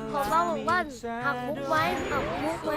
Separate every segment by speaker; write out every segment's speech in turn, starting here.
Speaker 1: ผมว่าบอกว่าหักมุกไว้หักมุกไว้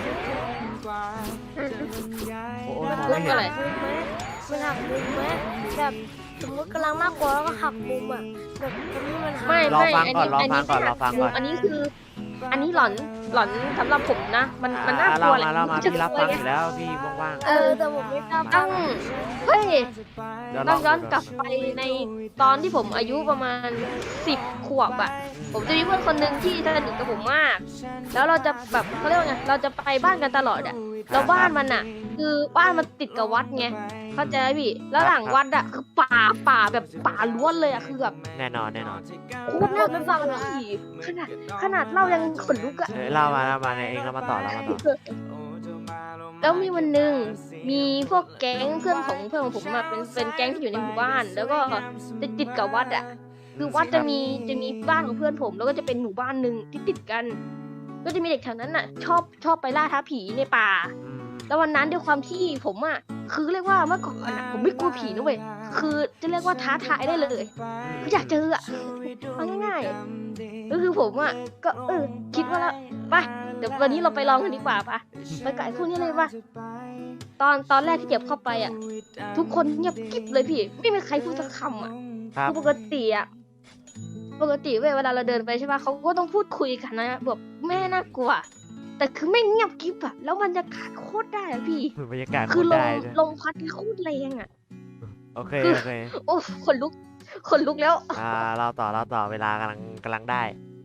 Speaker 2: โอ้โห
Speaker 1: มัน
Speaker 2: มอง
Speaker 1: หั
Speaker 2: ไม่
Speaker 1: ก
Speaker 2: เห็น
Speaker 1: มุกไหมมันหักมุมไหมแบบสมมติกำลังน่ากลัวแล้วก็หักมุมอ่ะแบบตรงนี้มันหัก
Speaker 3: ไม่
Speaker 2: รอ
Speaker 3: ไม่
Speaker 2: ฟัง
Speaker 3: อัน
Speaker 2: ก่อน
Speaker 3: นี้
Speaker 2: รอ
Speaker 3: อัน
Speaker 2: ฟั
Speaker 3: นี้
Speaker 2: งก่อนรอฟังก่อน
Speaker 3: อันนี้คือ อันนี้หลอนสำหรับผมนะ มันน่ากลัวแหละ
Speaker 2: เล่ามา
Speaker 3: จะ
Speaker 2: พี่รับ
Speaker 3: กลั
Speaker 2: ฟั
Speaker 3: ว
Speaker 2: ง
Speaker 3: ไง
Speaker 2: อยู่แล้วพี่ว่าง
Speaker 1: แต่ผมไม่กล้า
Speaker 3: ต้องเฮ้ย
Speaker 2: ๆเดี๋ยวล
Speaker 3: ต้
Speaker 2: อ
Speaker 3: อง งย้อนกลับไปในตอนที่ผมอายุประมาณ10 ขวบอะผมจะมีเพื่อนคนหนึ่งที่สนิทกับผมมาก แล้วเราจะแบบเขาเรียกว่าไงเราจะไปบ้านกันตลอดอะแล้วบ้านมันอะคือบ้านมันติดกับวัดไงเข้าใจไหมพี่แล้วหลังวัดอะคือป่าแบบป่าล้วนเลยอะคือแบบ
Speaker 2: แน่นอนแน่นอน
Speaker 3: โคตรน่ากลัวเลยขนาดเล่ายังขนลุกอะ
Speaker 2: เล่ามาในเองเรามาต่อ
Speaker 3: แล้วมีวันหนึ่งมีพวกแก๊งเพื่อนของผมมาเป็นแก๊งที่อยู่ในหมู่บ้าน แล้วก็จะติดกับวัดอ่ะคือวัดจะมีบ้านของเพื่อนผมแล้วก็จะเป็นหมู่บ้านหนึ่งที่ติดกัน ก็จะมีเด็กแถวนั้นอ่ะ ชอบไปล่าท้าผีในป่า แล้ววันนั้นด้วยความที่ผมอ่ะคือเรียกว่าเมื่อก่อนอ่ะผมไม่กลัวผีนะเว้ยคือจะเรียกว่าท้าทายได้เลยคืออยากเจออ่ะเอาง่ายๆก็คือผมอ่ะก็คิดว่าแล้วไปเดี๋ยววันนี้เราไปลองกันดีกว่าปะไปไก่พวกนี้เลยปะตอนแรกที่เก็บเข้าไปอ่ะทุกคนเงียบกิ๊บเลยพี่ไม่มีใครพูดสักคำอ่ะ
Speaker 2: ครับ
Speaker 3: คือปกติเว้ยเวลาเราเดินไปใช่ปะเขาก็ต้องพูดคุยกันนะแบบแม่น่ากลัวแต่คือไม่เงียบกิ๊บอ่ะแล้วบรรยากาศโคตรได้อ่ะพี่
Speaker 2: บรรยากาศ
Speaker 3: คือ
Speaker 2: โตรได้ด้วย
Speaker 3: ลมพัดโคตรแรงอ่ะ
Speaker 2: โอเค
Speaker 3: โอ้ขนลุกแล้ว
Speaker 2: เราต่อเวลกำลังได้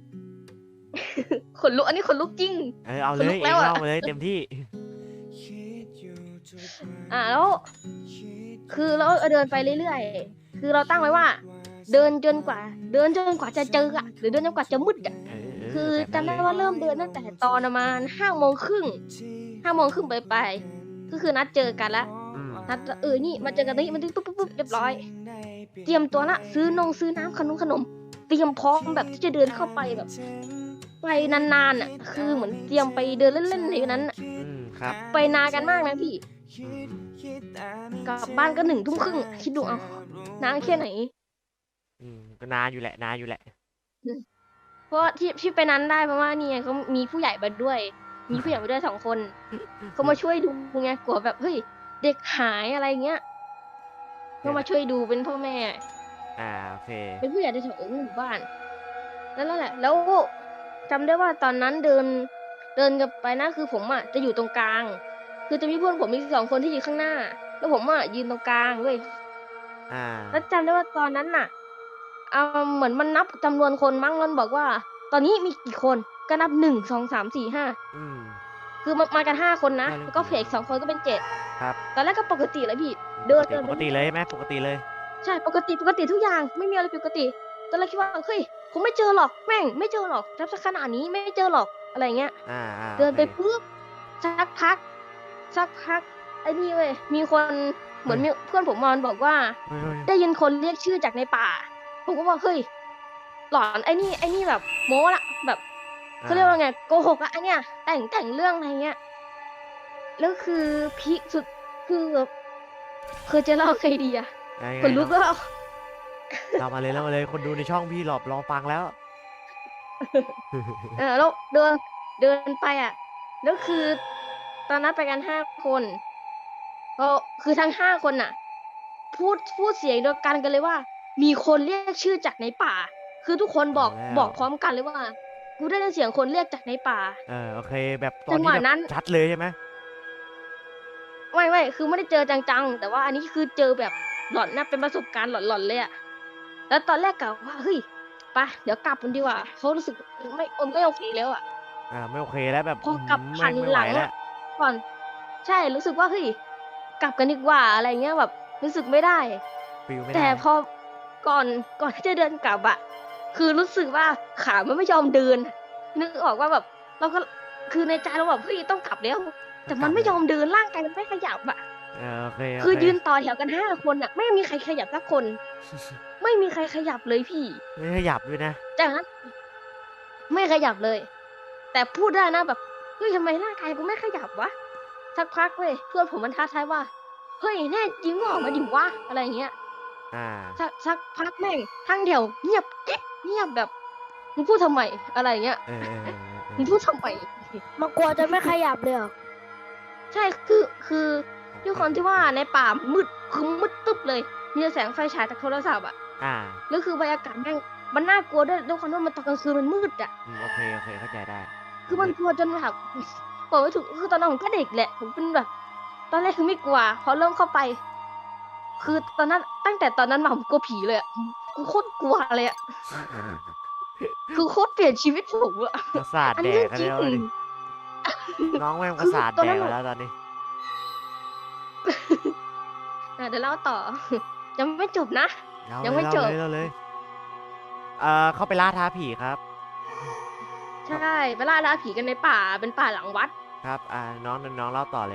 Speaker 3: ขนลุกอันนี้ขนลุกจริง
Speaker 2: เอาเลย
Speaker 3: ขนลุก
Speaker 2: เอ
Speaker 3: แล้
Speaker 2: ง
Speaker 3: วอะ
Speaker 2: เล่ามาเลยเต็มที่
Speaker 3: แล้วคือเราเดินไปเรื่อยๆคือเราตั้งไว้ว่า เดินจนกว่าจะเจออ่ะหรือเดินจนกว่าจะมืดอ่ะคือจำได้ว่าเริ่มเดินตั้งแต่ตอนประมาณ5 โมงครึ่งไปก็คือนัดเจอกันละนัดนี่มาเจอกันตรงนี้มันปุ๊บเรียบร้อย เตรียมตัวละซื้อน้ำขนมเตรียมพร้อมแบบที่จะเดินเข้าไปแบบไปนานๆอ่ะคือเหมือนเตรียมไปเดินเล่นๆในนั้นอ่ะ
Speaker 2: ครับ
Speaker 3: ไปนานกันมากนะพี่กลับบ้านก็1 ทุ่มครึ่งคิดดูเอานานแค่ไหน
Speaker 2: ก็นานอยู่แหละ
Speaker 3: เพราะว่าที่ไปนั้นได้เพราะว่านี่ไงเขามีผู้ใหญ่มาด้วย มีผู้ใหญ่มาด้วย2 คนเขามาช่วยดูไงกลัวแบบเฮ้ยเด็กหายอะไรเงี้ยก็มาช่วยดูเป็นพ่อแม่
Speaker 2: โอเค
Speaker 3: เป็นผู้ใหญ่ในแถวหมู่บ้านนั่นแหละแล้วจำได้ว่าตอนนั้นเดินกันไปนะคือผมอ่ะจะอยู่ตรงกลาง คือจะมีเพื่อนผมมี2 คนที่อยู่ข้างหน้า แล้วผมอ่ะยืนตรงกลางเว้ย แล้วจำได้ว่าตอนนั้นน่ะเหมือนมันนับจำนวนคนมั้งมันบอกว่า ตอนนี้มีกี่คนก็นับ1 2 3 4 5คือมากัน5 คนนะแล้วก็เฟก2 คนก็เป็น7
Speaker 2: ครับ
Speaker 3: ตอนแรกก็ปกติเลยพี่เดิน
Speaker 2: ปกติเลยไหมปกติเลย
Speaker 3: ใช่ปกติทุกอย่างไม่มีอะไรผิดปกติตอนแรกคิดว่าเฮ้ยคงไม่เจอหรอกแม่งไม่เจอหรอกรับสักขนาดนี้ไม่เจอหรอกอะไรเงี้ย เดินไปปุ๊บสักพักไอ้นี่เว้ยมีคนเหมือนมีเพื่อนผมมันบอกว่า ได้ยินคนเรียกชื่อจากในป่าผมก็ว่าเฮ้ยหลอนไอ้นี่แบบโม้ละแบบเขาเรียกว่าไงโกหกอะไอเนี้ยแต่งเรื่องอะไรเงี้ยแล้วคือพีคสุดคือแบบเคยจะเล่าใครดีอะคนลุกแล้ว
Speaker 2: เรามาเลยคนดูในช่องพี่รอฟังแล้ว
Speaker 3: แล้วเดินไปอะแล้วคือตอนนั้นไปกัน5 คนก็คือทั้ง5 คนน่ะ พูดเสียงเดียวกันเลยว่า มีคนเรียกชื่อจากในป่า คือทุกคนบอกพร้อมกันเลยว่ากูได้ยินเสียงคนเรียกจากในป่า
Speaker 2: โอเคแบบตอน
Speaker 3: จังห
Speaker 2: นี้
Speaker 3: วะ
Speaker 2: แบ
Speaker 3: นั้น
Speaker 2: บชัดเลยใช่ไหม
Speaker 3: ไม่คือไม่ได้เจอจังๆแต่ว่าอันนี้คือเจอแบบหลอนนะเป็นประสบการณ์หลอนๆเลยอะแล้วตอนแรกกะว่าเฮ้ยไปเดี๋ยวกลับกันดีกว่าเขารู้สึกไม่โอเคแล้วอะ
Speaker 2: ไม่โอเคแล้วแบบ
Speaker 3: พอกลับหัน
Speaker 2: ไม่
Speaker 3: ห
Speaker 2: ไหว
Speaker 3: ลัง
Speaker 2: แล้ว
Speaker 3: อะก่อนใช่รู้สึกว่าเฮ้ยกลับกันดีกว่าอะไรเงี้ยแบบรู้สึกไม่ได้
Speaker 2: ฟิลไม่
Speaker 3: แต่
Speaker 2: ได้
Speaker 3: พอก่อนที่จะเดินกลับอะคือรู้สึกว่าขามันไม่ยอมเดินนึกออกว่าแบบเราก็คือในใจเราแบบเฮ้ยต้องกลับแล้วแต่มันไม่ยอมเดินร่างกายมันไม่ขยับอะ
Speaker 2: โอเค
Speaker 3: คือยืนต่อแถวกัน5 คนอะไม่มีใครขยับสักคน ไม่มีใครขยับเลยพี่
Speaker 2: ไม่ขยับด้วยนะ
Speaker 3: จากนั้นไม่ขยับเลย แต่พูดได้นะแบบเฮ้ยทำไมร่างกายกูไม่ขยับวะสักพักเว้ยเพื่อนผมมันท้าทายว่าเฮ้ยแน่จริงออกมาดิวะอะไรอย่างเงี้ย
Speaker 2: อ่า
Speaker 3: สักพักแม่งทั้งแถวเงียบกิ๊บเงียบแบบมึงพูดทำไมอะไรเงี้ย
Speaker 2: เออเออเออเอ
Speaker 3: มึง
Speaker 2: อ
Speaker 3: พูดทำไม
Speaker 1: มันกลัวจะไม่ขยับเลยเหรอ
Speaker 3: ใช่คือด้วยความที่ว่าในป่ามืดคือมืดตึ๊บเลย มีแต่แสงไฟฉายจากโทรศัพท์อ่ะ
Speaker 2: อ่า
Speaker 3: แล้วคือบรรยากาศแม่งมันน่ากลัวด้วยความที่มันตอนกลางคืนมันมืดอ่ะ
Speaker 2: โอเคโอเคเข้าใจได้
Speaker 3: คือมันกลัวจนแบบบอกไม่ถูกคือตอนนั้นผมก็เด็กแหละผมเป็นแบบ ตอนแรกคือไม่กลัวพอเริ่มเข้าไป คือตอนนั้นตั้งแต่ตอนนั้นมาผมกลัวผีเลยอ่ะกูโคตรกลัวเลยอ่ะคือโคตรเปลี่ยนชีวิตผมอ่ะ
Speaker 2: ประสาท
Speaker 3: อัน
Speaker 2: แด
Speaker 3: นี้
Speaker 2: ก
Speaker 3: เรื่
Speaker 2: กั
Speaker 3: อน งจริ
Speaker 2: แล้ว
Speaker 3: ง
Speaker 2: ดิน้องแม่งประสาท
Speaker 3: คือตอน
Speaker 2: แด
Speaker 3: นั้
Speaker 2: ก
Speaker 3: น
Speaker 2: ไปแล้วตอนนี้
Speaker 3: เดี๋ยวเล่าต่อ ยังไม่จบนะ
Speaker 2: เรา
Speaker 3: ยังไม่
Speaker 2: เลย
Speaker 3: จบ
Speaker 2: เราเลยเข้าไปล่าท้าผีครับ
Speaker 3: ใช่ไปล่าท้าผีกันในป่าเป็นป่าหลังวัด
Speaker 2: ครับ น้องเล่าต่อเลย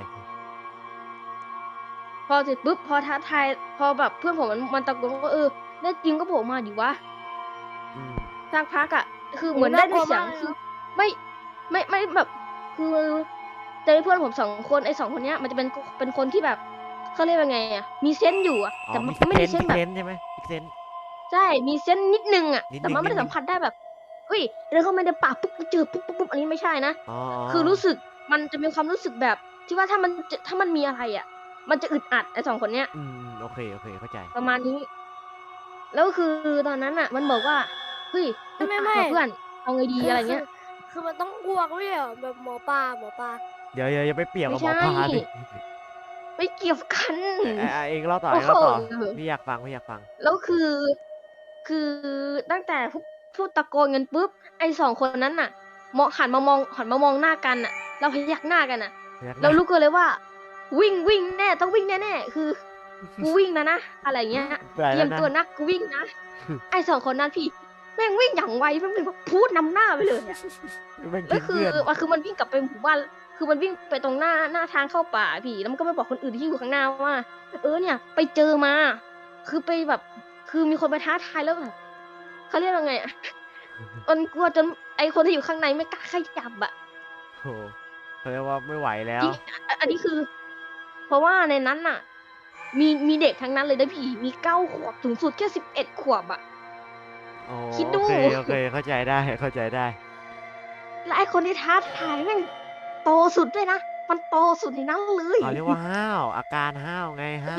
Speaker 3: พอเสร็จปุ๊บพอท้าทายพอแบบเพื่อนผมมันตะโกนว่าแน่จริงก็โผล่มาดิวะ
Speaker 2: อืม
Speaker 3: สักพักอ่ะ คือเหมือนได้ยินเสียง
Speaker 1: น่ากลัวมากเลย
Speaker 3: คือไม่แบบ คือเจอเพื่อนผมสองคนไอ้สองคนเนี้ย มันจะเป็นคนที่แบบเขาเรียกว่าไงอ่ะมีเซนส์อยู่อ่ะ
Speaker 2: อ๋อ
Speaker 3: แต่
Speaker 2: มี
Speaker 3: มันไม่ได้
Speaker 2: เซ
Speaker 3: เซ
Speaker 2: น
Speaker 3: น
Speaker 2: ส์
Speaker 3: ส์แบบ
Speaker 2: ใช่ไหมมีเซนส์
Speaker 3: ใช่มีเซนส์นิดนึงอ่ะ
Speaker 2: นิดนึง
Speaker 3: แต่มันไม่ได้สัมผัสได้แบบเฮ้ยเดินเข้ามาในป่าปุ๊บเจอปุ๊บอันนี้ไม่ใช่นะ
Speaker 2: อ๋อ
Speaker 3: คือรู้สึกมันจะมีความรู้สึกแบบที่ว่าถ้ามันมีอะไรอ่ะ มันจะอึดอัดไอ้สองคนเนี้ย
Speaker 2: อืมโอเคเข้าใจ
Speaker 3: ประมาณนี้ แล้วคือตอนนั้นอ่ะ มันบอกว่าเฮ้ยอึดอัด
Speaker 1: ไม่
Speaker 3: ว่ะเพื่อนเอาไงดีอะไรเงี้ย
Speaker 1: คือมันต้องอ้วกไม่ใช่เหรอแบบหมอปลา
Speaker 2: เดี๋ยวอย่าไปเปรียบกับหมอ
Speaker 3: ไม่
Speaker 2: ป
Speaker 3: ใช่
Speaker 2: ลาดิ
Speaker 3: ไม่เกี่ยวกัน
Speaker 2: เองเล่าต่อ
Speaker 3: โอ้
Speaker 2: เอง
Speaker 3: โห
Speaker 2: เล่าต่อพี่อยากฟัง
Speaker 3: แล้วคือตั้งแต่พูดตะโกนกันปุ๊บไอ้สองคนนั้นน่ะหันมามองหน้ากันน่ะเราพยักหน้ากันน่ะ เรารู้กันเลยว่า วิ่งแน่ต้องวิ่งแน่ๆคือกูวิ่งนะอะไรเงี้ย
Speaker 2: ไป
Speaker 3: เตรี
Speaker 2: แล้
Speaker 3: ยว ม
Speaker 2: นะ
Speaker 3: ตัวนักกูวิ่งนะ ไอ้สองคนนั้นพี่แม่งวิ่งอย่างไวแม่งแบบพูดนำหน้าไปเลยอะ
Speaker 2: แม่ง
Speaker 3: แล้ว
Speaker 2: ทิ้ง
Speaker 3: คือ
Speaker 2: เพื่อน
Speaker 3: คือมันวิ่งกลับไปหมู่บ้านคือมันวิ่งไปตรงหน้าทางเข้าป่าพี่แล้วมันก็ไปบอกคนอื่นที่อยู่ข้างหน้าว่าเนี่ยไปเจอมา คือไปแบบ คือมีคนไปท้าทายแล้วแบบเขาเรียกว่าไงอะมันกลัวจนไอคนที่อยู่ข้างในไม่กล้าขยับอะ
Speaker 2: โอ้โหเขาเรียกว่าไม่ไหวแล้ว
Speaker 3: จริงอันนี้คือ เพราะว่าในนั้นน่ะ มีเด็กทั้งนั้นเลยนะพี่มี9 ขวบสูงสุดแค่11 ขวบอะ
Speaker 2: โอ้
Speaker 3: คิดดู
Speaker 2: โอเคเข้าใจได้
Speaker 3: และไอคนที่ท้าทายแม่งโตสุดด้วยนะมันโตสุดในนั้นเลย
Speaker 2: เขาเรียกว่าห้าวอาการห้าวไงห้าว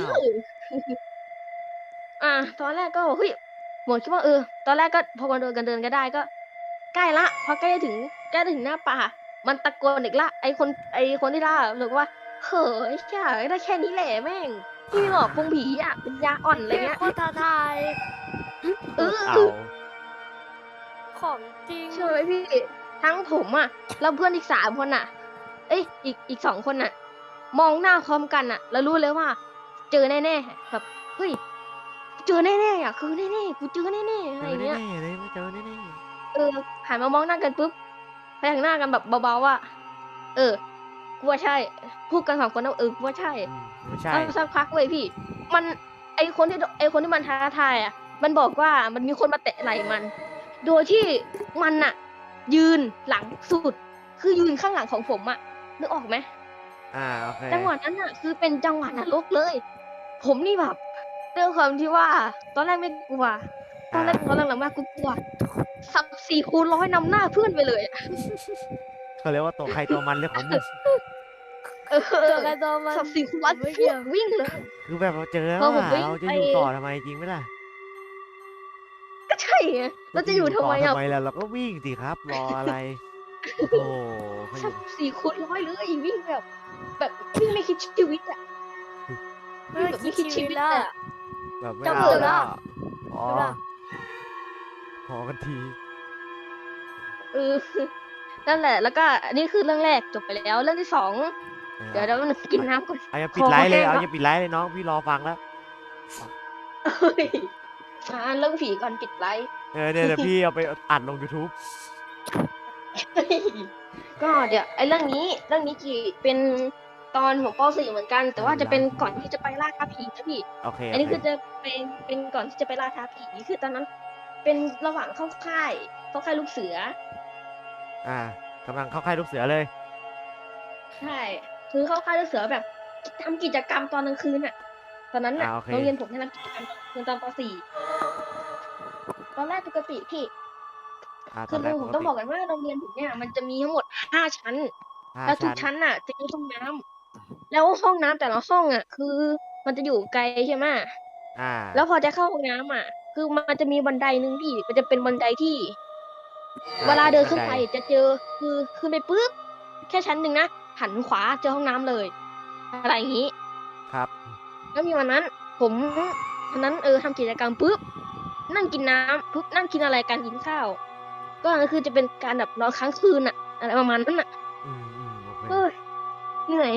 Speaker 3: ตอนแรกก็เฮ้ยหมดคิดว่าตอนแรกก็พอกันเดินก็ได้ก็ ใกล้ละพอใกล้จะถึงหน้าป่า มันตะโกนอีกละไอคนที่ล่าเลยว่าเฮ้ยแค่ได้แค่นี้แหละแม่งที่หลอกพงผีอ่ะเป็นยาอ่อนอะไรเงี้ย
Speaker 1: โคตรท้าทาย
Speaker 3: เออ
Speaker 2: เอา
Speaker 1: ของจริง
Speaker 3: ใช่ไหมพี่ทั้งผมอ่ะแล้วเพื่อนอีก3 คนอ่ะ เอ้ยอีก2 คนอ่ะ มองหน้าพร้อมกันอ่ะ แล้วรู้เลยว่า เจอแน่ๆแบบเฮ้ยเจอแน่ๆอ่ะคือแน่ๆกูเจอแน่ๆอะไรเงี้ย
Speaker 2: แน่ๆเลยไม่เจอแน่
Speaker 3: หันมามองหน้ากันปุ๊บพยักหน้ากันแบบเบาๆว่ากูว่าใช่ พูดกัน2 คนนะกูว่าใช่
Speaker 2: ๆไม่ใช่
Speaker 3: แล้วสักพักเลยพี่ มันไอคนที่มันท้าทายอ่ะ มันบอกว่ามันมีคนมาแตะไหล่มัน โดยที่มันอ่ะ ยืนหลังสุด คือยืนข้างหลังของผมอ่ะนึกออกไหม
Speaker 2: โอเค
Speaker 3: จังหวะนั้นอ่ะ คือเป็นจังหวะนรกเลย ผมนี่แบบด้วยความที่ว่า ตอนแรกไม่กลัว ตอนหลังมากูกลัวสับ4 คูณ 100นำหน้าเพื่อนไปเลยอะ
Speaker 2: เขาเรียกว่าตัวใครตัวมันเรื่องของมึง
Speaker 1: เจอกันตัวมัน
Speaker 3: สับ4 คูณ 100
Speaker 1: ไม่เกี่ยว
Speaker 3: วิ่งเลย
Speaker 2: คือแบบเราเจอแล้ว
Speaker 3: พอผม
Speaker 2: อะ
Speaker 3: วิ่ง
Speaker 2: เราจะ
Speaker 3: ไป
Speaker 2: อยู่ต่อทำไมจริงไหมล่ะ
Speaker 3: ก็ใช่ไงเราจะอยู่ทำไม
Speaker 2: ต่
Speaker 3: อ่ะ
Speaker 2: ทำไมล่ะเราก็วิ่งสิครับรออะไรโอ้โหเขาอ
Speaker 3: สั
Speaker 2: ยู่
Speaker 3: บ4 คูณ 100เลยวิ่งแบบวิ่งไม่คิดชีวิตอ่ะ
Speaker 1: ไม่คิดชีวิตแล้วอะ
Speaker 2: แบบไม่
Speaker 1: จะ
Speaker 2: เอา
Speaker 1: เบื่อแล้
Speaker 2: แล้ว
Speaker 1: ว
Speaker 2: อ๋อ
Speaker 1: ใช่ปะ
Speaker 2: พอกันที
Speaker 3: เออนั่นแหละ แล้วก็อันนี้คือเรื่องแรกจบไปแล้ว เรื่องที่ 2เดี๋ยวเรากินน้ำก่อน
Speaker 2: เอาอย่าปิดไลฟ์เลย
Speaker 3: คอแห้ง
Speaker 2: เอา
Speaker 3: แล้ว
Speaker 2: อย่าปิดไลฟ์เลยน้องพี่รอฟังแล้ว
Speaker 3: เฮ้ยเรื่องผีก่อนปิดไลฟ์
Speaker 2: เนี่ยพี่เอาไปอัดลง YouTube
Speaker 3: ก็เดี๋ยวไอ้เรื่องนี้จีเป็นตอนของป .4 เหมือนกัน แต่ว่าจะเป็นก่อนที่จะไปล่าท้าผีนะพี่
Speaker 2: โอเค
Speaker 3: อันนี้
Speaker 2: โอเค
Speaker 3: คือจะเป็นก่อนที่จะไปล่าท้าผีคือตอนนั้น เป็นระหว่างเข้าค่ายลูกเสือ
Speaker 2: กำลังเข้าค่ายลูกเสือเลย
Speaker 3: ใช่คือเข้าค่ายลูกเสือแบบทำกิจกรรมตอนกลางคืนอ่ะ ตอนนั้นน่ะ
Speaker 2: โอเค
Speaker 3: โรงเรียนผมให้ทำกิจกรรมตอนกลางคืนตอนป .4 ตอนแรกปกติพี่คือ
Speaker 2: ตอนแรก
Speaker 3: ผมต้องบอกกันว่าโรงเรียนผมเนี่ยมันจะมีทั้งหมด5 ชั้น แล้วทุกชั้นน่ะจะมีห้องน้ำแล้วห้องน้ำแต่ละห้องอ่ะ คือมันจะอยู่ไกลใช่ไหม
Speaker 2: อ่า
Speaker 3: แล้วพอจะเข้าห้องน้ำอ่ะ คือมันจะมีบันไดหนึ่งพี่มันจะเป็นบันไดที่ เวลาเดินขึ้นไปจะเจอคือขึ้นไปปุ๊บแค่ชั้นหนึ่งนะหันขวาเจอห้องน้ำเลย อะไรอย่างนี้
Speaker 2: ครับ
Speaker 3: แล้วมีวันนั้น ผมวันนั้นทำกิจกรรมปุ๊บนั่งกินน้ำปุ๊บนั่งกินอะไรกันกินข้าว ก็คือจะเป็นการแบบนอนค้างคืนอ่ะอะไรประมาณนั้นอ่ะ
Speaker 2: โอเค
Speaker 3: เอ้ยเหนื่อย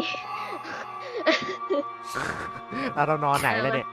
Speaker 2: เรานอนไหนแล้วเนี่ย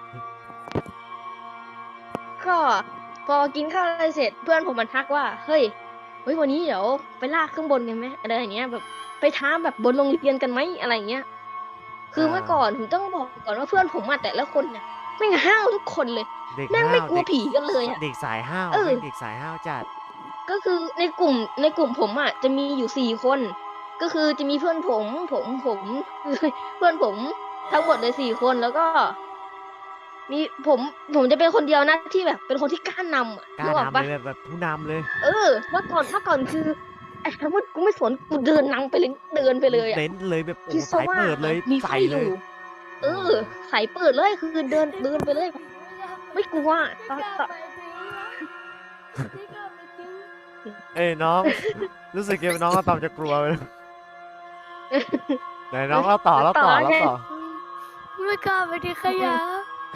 Speaker 3: ก็พอกินข้าวอะไรเสร็จเพื่อนผมมันทักว่าเฮ้ยวันนี้เดี๋ยวไปลากขึ้นบนกันไหมอะไรอย่างเงี้ยแบบไปท้าแบบบนโรงเรียนกันไหมอะไรอย่างเงี้ย คือเมื่อก่อนผมต้องบอกก่อนว่าเพื่อนผมแต่ละคนเนี่ยแม่งห้าวทุกคนเลย
Speaker 2: เด็ก
Speaker 3: แม่ง
Speaker 2: ห้า
Speaker 3: ไม่
Speaker 2: ว
Speaker 3: กลัวผีกันเลยอ่ะ
Speaker 2: เด็กสายห้าว
Speaker 3: เออ
Speaker 2: เด็กสายห้าวจัด
Speaker 3: ก็คือในกลุ่มผมจะมีอยู่4 คน ก็คือจะมีเพื่อนผมเพื่อนผมทั้งหมดเลย4 คนแล้วก็ มีผมจะเป็นคนเดียวนะที่แบบเป็นคนที่กล้านำอ่ะ
Speaker 2: กล้า
Speaker 3: นึกออก
Speaker 2: นำ
Speaker 3: ปะ
Speaker 2: เลยแบบผู้นำเลย
Speaker 3: เมื่อก่อนคือไอ้คำว่ากูไม่สนกูเดินนำไปเลยเดินไปเลยอ่ะ
Speaker 2: เน้นเลยแบบโอ้
Speaker 3: คิด
Speaker 2: สาย
Speaker 3: ซะว่า
Speaker 2: เปิดเลย
Speaker 3: มีไฟ
Speaker 2: ใส่
Speaker 3: อ
Speaker 2: เลย
Speaker 3: ยู่ใส่เปิดเลยคือเดินไปเลย ไม่กลัวตอน
Speaker 2: เอ้ยน้อง รู้สึกยังน้องอะตอมจะกลัวเลยไหนน้องเราต่อ
Speaker 1: ไม่กล้าไปที่ขยะ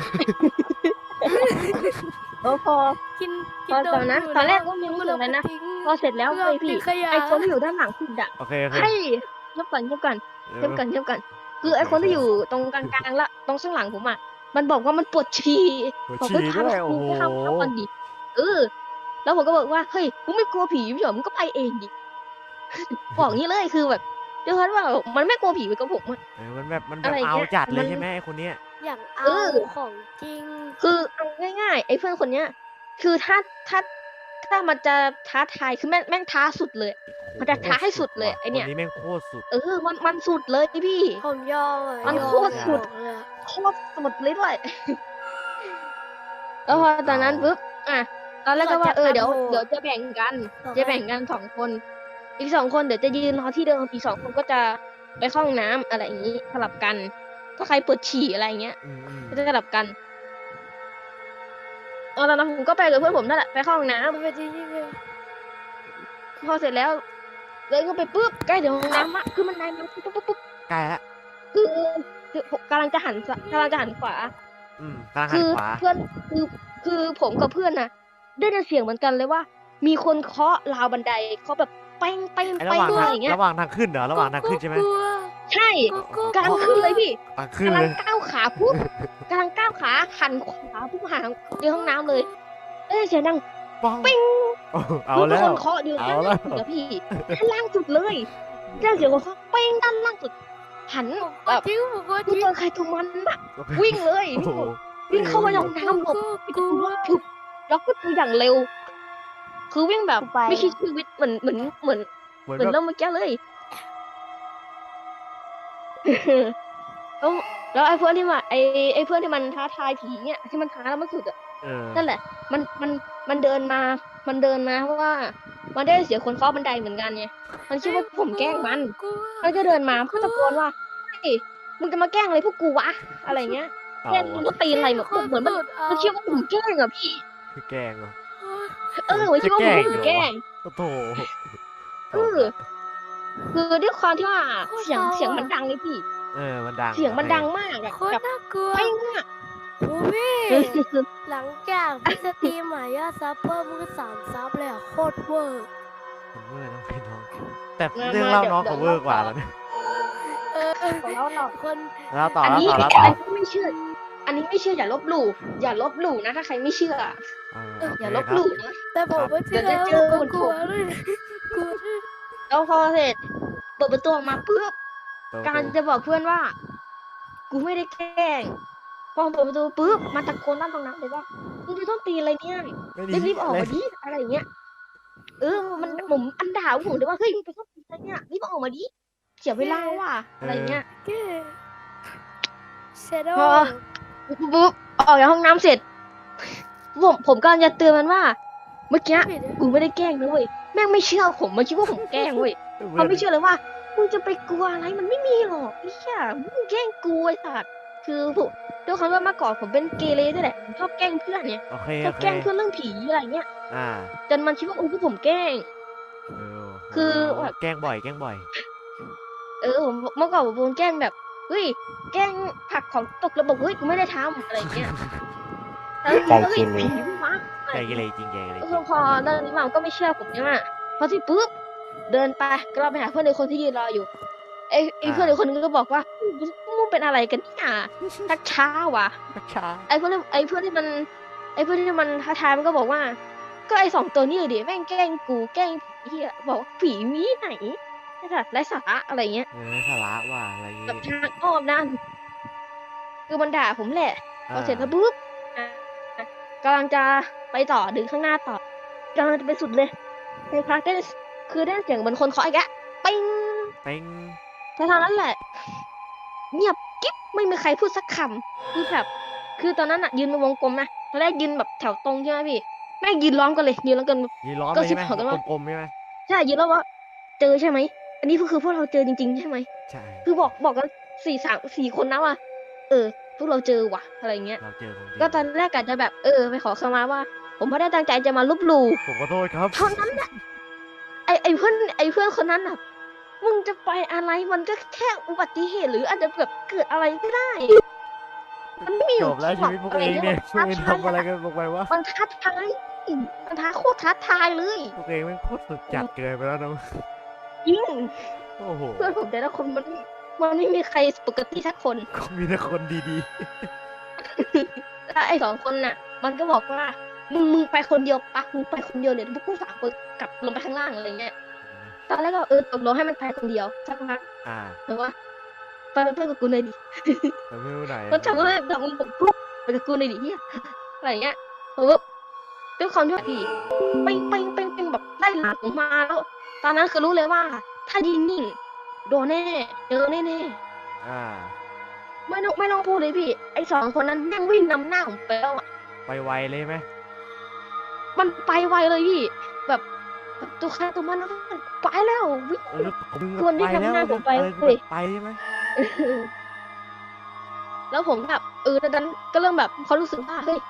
Speaker 3: พอ
Speaker 1: กิน
Speaker 3: ตอนนั้นตอนแรกก็มีรู้สึกอะไรนะ พอเสร็จแล้วเลยพี่ไอคนที่อยู่ด้านหลังสุดอะ
Speaker 2: โอเค
Speaker 3: ให้เงียบก่อนคือไอคนที่อยู่ตรงกลางๆละตรงข้างหลังผมอะมันบอกว่ามันปวดฉี่
Speaker 2: หัว
Speaker 3: บอก
Speaker 2: ฉี่
Speaker 3: ว่า
Speaker 2: ด้วย
Speaker 3: ทำ
Speaker 2: โอ้
Speaker 3: กู
Speaker 2: โห
Speaker 3: ทำก่อนดิแล้วผมก็บอกว่าเฮ้ยกูไม่กลัวผีพี่หรอมึงก็ไปเองดิ บอกงี้เลยคือแบบเดี๋ยวว่ามันไม่กลัวผีไปกับผมอะ
Speaker 2: มันแบบ
Speaker 3: อะไรอย่าง
Speaker 2: เอา
Speaker 3: เงี้ย
Speaker 2: จัดเล
Speaker 3: มั
Speaker 2: ย
Speaker 3: น
Speaker 2: ใช่ไหมไอ้คนเนี้ย
Speaker 1: อย่างเอาของจริง
Speaker 3: คือเอาง่ายๆไอ้เพื่อนคนเนี้ย คือถ้ามันจะท้าทายคือแม่งท้าสุดเลย มันจะท้าให้สุดเลยไอ้เนี่ย
Speaker 2: คนนี้แม่งโคตรสุด
Speaker 3: มันสุดเลยพี่
Speaker 1: ผมยอมอ่ะ
Speaker 3: มัน
Speaker 1: ยอ
Speaker 3: โคตรสุด
Speaker 1: เลยอะ
Speaker 3: โคตรสุดเลยด้วย แล้วพอตอนนั้นปุ๊บตอนแรกก็ว่าเดี๋ยวจะแบ่งกัน 2 คน อีก 2 คนเดี๋ยวจะยืนรอที่เดิมอีก 2 คนก็จะไปเข้าห้องน้ำอะไรอย่างนี้สลับกัน ถ้าใครปวดฉี่อะไรอย่างเงี้ย ก็จะสลับกันตอนนั้นผมก็ไปกับเพื่อนผมนั่นแหละไปเข้าห้องน้
Speaker 1: มันเป็นจริงๆเลย
Speaker 3: ำพอเสร็จแล้วเลยก็ไปปุ๊บใกล้ถึงห้องน้ำอะคือมันนายมันปุ๊บ
Speaker 2: ใกล้ละ
Speaker 3: คือผมกำลังจะหันขวา
Speaker 2: กำลังหั
Speaker 3: คื
Speaker 2: น
Speaker 3: อ
Speaker 2: ขวา
Speaker 3: เพื่อนคือผมกับเพื่อนน่ะ ได้ยินเสียงเหมือนกันเลยว่า มีคนเคาะราวบันไดเขาแบบเป้ง
Speaker 2: ไอ้ระหว่าง
Speaker 3: อะไร
Speaker 2: ทาง
Speaker 3: อย่างเงี้ย
Speaker 2: ระหว่างทางขึ้นเหรอระหว่างทางขึ้นใช่ไหม
Speaker 1: กลัว
Speaker 3: ใช่
Speaker 1: กลัว
Speaker 3: กำลังขึ้นเลยพี่
Speaker 2: ขึ้น
Speaker 3: กำลั
Speaker 2: เล
Speaker 3: ง
Speaker 2: ย
Speaker 3: ก้าวขาปุ๊บกำลังก้าวขาหันขวาปุ๊บหาเจอห้องน้ำเลยเสียงดัง
Speaker 2: ปัง
Speaker 3: ปิ้ง
Speaker 2: เอา
Speaker 3: คือ
Speaker 2: แล้
Speaker 3: ค
Speaker 2: วน
Speaker 3: เคาะอยู่
Speaker 2: เอา
Speaker 3: ด้าน
Speaker 2: แล้
Speaker 3: ล่าว งสุดอะพี่ด้านล่างสุดเลยเจ้าเสียงคนเคาะเป้งด้านล่างสุด หัน
Speaker 1: ผมก็
Speaker 3: แบบ
Speaker 1: ทิ้งผมก็
Speaker 3: คือ
Speaker 1: ทิ้ง
Speaker 3: ตัวใครตัวมันอะวิ่งเลย
Speaker 2: โอ้โห
Speaker 3: วิ่งเข้าไปในห้องน้ำหลบ
Speaker 1: กลัว
Speaker 3: ผึบแล้วก็ตัวอย่างเร็ว คือวิ่งแบบไม่คิดชีวิตเหมือน
Speaker 2: เหมือน
Speaker 3: เหมือน
Speaker 2: แบบ
Speaker 3: เริ่มเมื่อกี้เลย แล้วไอ้เพื่อนที่มาไอ้เพื่อนที่มันท้าทายผีเนี่ยที่มันท้าแล้วมันสุดอะ นั่นแหละ มันเดินมาเพราะว่า มันได้เสียคนเคาะบันไดเหมือนกันไงมันคิดว่าผมแกล้งมัน
Speaker 1: กลัว
Speaker 3: มันก็เดินมาก็ตะโกนว่าเฮ้ยมึงจะมาแกล้งอะไรพวกกูวะอะไรเงี้ยแกล้งมันก็ตีอะไรเหมือนมันคิดว่าผมแกล้งอะพี่
Speaker 2: คือแกล้งเหรอ
Speaker 3: มันคิดว่าผมแกล้ง
Speaker 2: โอ้โห
Speaker 3: คือด้วยความที่ว่าเสียงมันดังเลยพี่
Speaker 2: มันดัง
Speaker 3: เสียงมันดังมากอะ
Speaker 1: โคต
Speaker 3: แบ
Speaker 1: ร
Speaker 3: บ
Speaker 1: น่ากลัว
Speaker 3: เป้งอะ
Speaker 1: โอ้พี่หลังจากพี่สตรีมยอดซับเพิ่มมือ3 ซับเลยอ่ะโคตรเวอร์
Speaker 2: มันเวอร์นะพี่น้องแต่เรื่องเล่าน้องเขาเวอร์กว่าแล้วเนี่ย
Speaker 3: แล้วเรา
Speaker 1: คน
Speaker 2: แล้วต่อ
Speaker 3: อัน
Speaker 2: แล้ว
Speaker 3: นี้
Speaker 2: ต่อแล้ว
Speaker 3: อั
Speaker 2: ต่อน
Speaker 3: นี้ไม่เชื่อ อันนี้ไม่เชื่ออย่าลบหลู่นะถ้าใครไม่เชื่อ อย่าลบหลู่นะ
Speaker 1: แต่ผมไม่เชื่อ
Speaker 3: เดี๋ยวจะเจอ
Speaker 1: ผมก็กลัวเลยกลัว
Speaker 3: แล้วพอเสร็จเปิดประตูออกมาปุ๊บการจะบอกเพื่อนว่า กูไม่ได้แกล้งพอเปิดประตูปุ๊บมันตะโกนลั่นตรงนั้นเลยว่ามึงจะต้องตีอะไรเนี่ยรีบออกมาดิอะไรอย่างเงี้ยมันผมอันด่าผมเลยว่าเฮ้ยมึงไปต้องตีอะไรเนี่ยรีบออกมาดิเสียเวลาว่ะอะไรเงี้ย
Speaker 1: แกเซโด
Speaker 3: พอ ปุ๊บออกจากห้องน้ำเสร็จผมก็จะเตือนมันว่าเมื่อกี้
Speaker 1: ผิด
Speaker 3: กูไม่ได้แกล้งนะเว้ยแม่งไม่เชื่อผมมันคิดว่าผมแกล้งเว้ยเขาไม่เชื่อเลยว่ามึงจะไปกลัวอะไรมันไม่มีหรอกไอ้เหี้ยมึงแกล้งกูไอ้สัตว์คือผมด้วยความว่าเมื่อก่อนผมเป็นเกเรด้วยแหละผมชอบแกล้งเพื่อนเนี่ย
Speaker 2: โอเค
Speaker 3: ชอบแกล้งเพื่อนเรื่องผีอะไรเงี้ย
Speaker 2: อ่า
Speaker 3: จนมันคิดว่าพวกผมแกล้ง
Speaker 2: เออ
Speaker 3: คือแบบ
Speaker 2: แกล้งบ่อยแกล้งบ่อย
Speaker 3: ผมเมื่อก่อนผมโดนแกล้งแบบเฮ้ยแกล้งผลักของตกแล้วบอกเฮ้ยกูไม่ได้ทำอะไรเงี้ยแล้วก็เฮ้ยผีวะอะไร
Speaker 2: แกล้ง
Speaker 3: เงี้ย
Speaker 2: เลยจริงแกล้งเลยจริง
Speaker 3: พอเรื่องนี้มาก็ไม่เชื่อผมใช่ไหมพอที่ปุ๊บเดินไปก็เราไปหาเพื่อนในคนที่ยืนรออยู่ไอ้เพื่อนในคนนึงก็บอกว่ามึงเป็นอะไรกันเนี่ยทักช้าวะ
Speaker 2: ช้า
Speaker 3: ไอ้เพื่อนที่มันท้าทายมันก็บอกว่า ก็ไอ้2 ตัวนี้ดิแม่งแกล้งกูแกล้งผีเหี้ยบอกว่าผีมีไหนไอ้สัตว์ไร้สาระอะไรเงี้ย
Speaker 2: สาระว่ะอะไรอย่าง
Speaker 3: กับ
Speaker 2: งี้
Speaker 3: ทางอ้อมนั่นคือมันด่าผมแหละพอเสร็จแล้วปุ๊บอ่ะกำลังจะไปต่อดึงข้างหน้าต่อกำลังจะไปสุดเลยในพักได้คือได้เสียงเหมือนคนเคาะอีกแล้วปิ้ง
Speaker 2: เป้ง
Speaker 3: แต่ทางนั้นแหละ เงียบกิ๊บไม่มีใครพูดสักคำคือแบบคือตอนนั้นอะยืนเป็นวงกลมนะตอนแรกยืนแบบแถวตรงใช่ไหมพี่แม่งยืนล้อมกันเลยยืนล้อมกัน
Speaker 2: ยีล้อม
Speaker 3: ก็
Speaker 2: เลยใช่ไหม
Speaker 3: คิดเหมือนกันว่า
Speaker 2: กลมๆใช่ไหม
Speaker 3: ใช่ยืนล้อมว่าเจอใช่ไหมอันนี้คือพวกเราเจอจริงๆใช่ไหม
Speaker 2: ใช่
Speaker 3: คือบอกกัน4 คนนะว่าพวกเราเจอว่ะอะไรเงี้ย
Speaker 2: เราเจอของจริง
Speaker 3: ก็ตอนแรกอาจจะแบบไปขอขมาว่า ผมไม่ได้ตั้งใจจะมาลบหลู่
Speaker 2: ผมขอโทษครับ
Speaker 3: เท่านั้นแหละไอเพื่อนคนนั้นอ่ะมึงจะไปอะไรมันก็แค่อุบัติเหตุหรืออาจจะแบบเกิดอะไรก็ได้ มันไม่มีอ
Speaker 2: จ
Speaker 3: ยู่
Speaker 2: บแล้วชีวิตพวกเองเนี่ยพวกเองทำอะไรกันลงไปวะ
Speaker 3: มันท้าทายมันท้าโคตรท้าทายเลย
Speaker 2: พวกเองไม่งโคตรสุดจัดเกินไปแล้วนะ
Speaker 3: จริง
Speaker 2: โอ้โห
Speaker 3: เพื่อนผมแต่ละคนมันไม่มีใครปกติสักคน
Speaker 2: ก็มีแต่คนดี
Speaker 3: แล้วไอ้2 คนน่ะ มันก็บอกว่ามึงไปคนเดียวปะมึงไปคนเดียวเลยพวกกู3 คนกลับลงไปข้างล่างอะไรเงี้ย
Speaker 2: ๆ
Speaker 3: ตอนแรกก็ตกลงให้มันไปคนเดียวสักพัก
Speaker 2: อ่า
Speaker 3: แต่ว่าไปเป็นเพื่อนกับกูเลยดิ
Speaker 2: แต่ไม่รู้ไหน
Speaker 3: มันทำให้แบบมึงบอกปุ๊บไปกับกูเลยดิเฮียอะไรเงี้ยปุ๊บด้วยความที่ว่าพี่เป่งแบบไล่หลังผมมาแล้ว ตอนนั้นคือรู้เลยว่า ถ้ายืนนิ่งโดนแน่เจอแน่
Speaker 2: อ่า
Speaker 3: ๆไม่ต้องพูดเลยพี่ไอ้2 คนนั้นแม่งวิ่งนำหน้าผมไปแล้วอ่ะ
Speaker 2: ไปไวเลยไหม
Speaker 3: มันไปไวเลยพี่แบบตัวใครตัวมันแล้วมันไปแล้ววิ่ง
Speaker 2: แล้วผม
Speaker 3: คนที่
Speaker 2: ไปแล้ว
Speaker 3: ทำหน้าผมไป
Speaker 2: อะไร
Speaker 3: เว้ย
Speaker 2: ไปใช่ไหม
Speaker 3: แล้วผมแบบตอนนั้นก็เริ่มแบบเขารู้สึกว่าเฮ้ย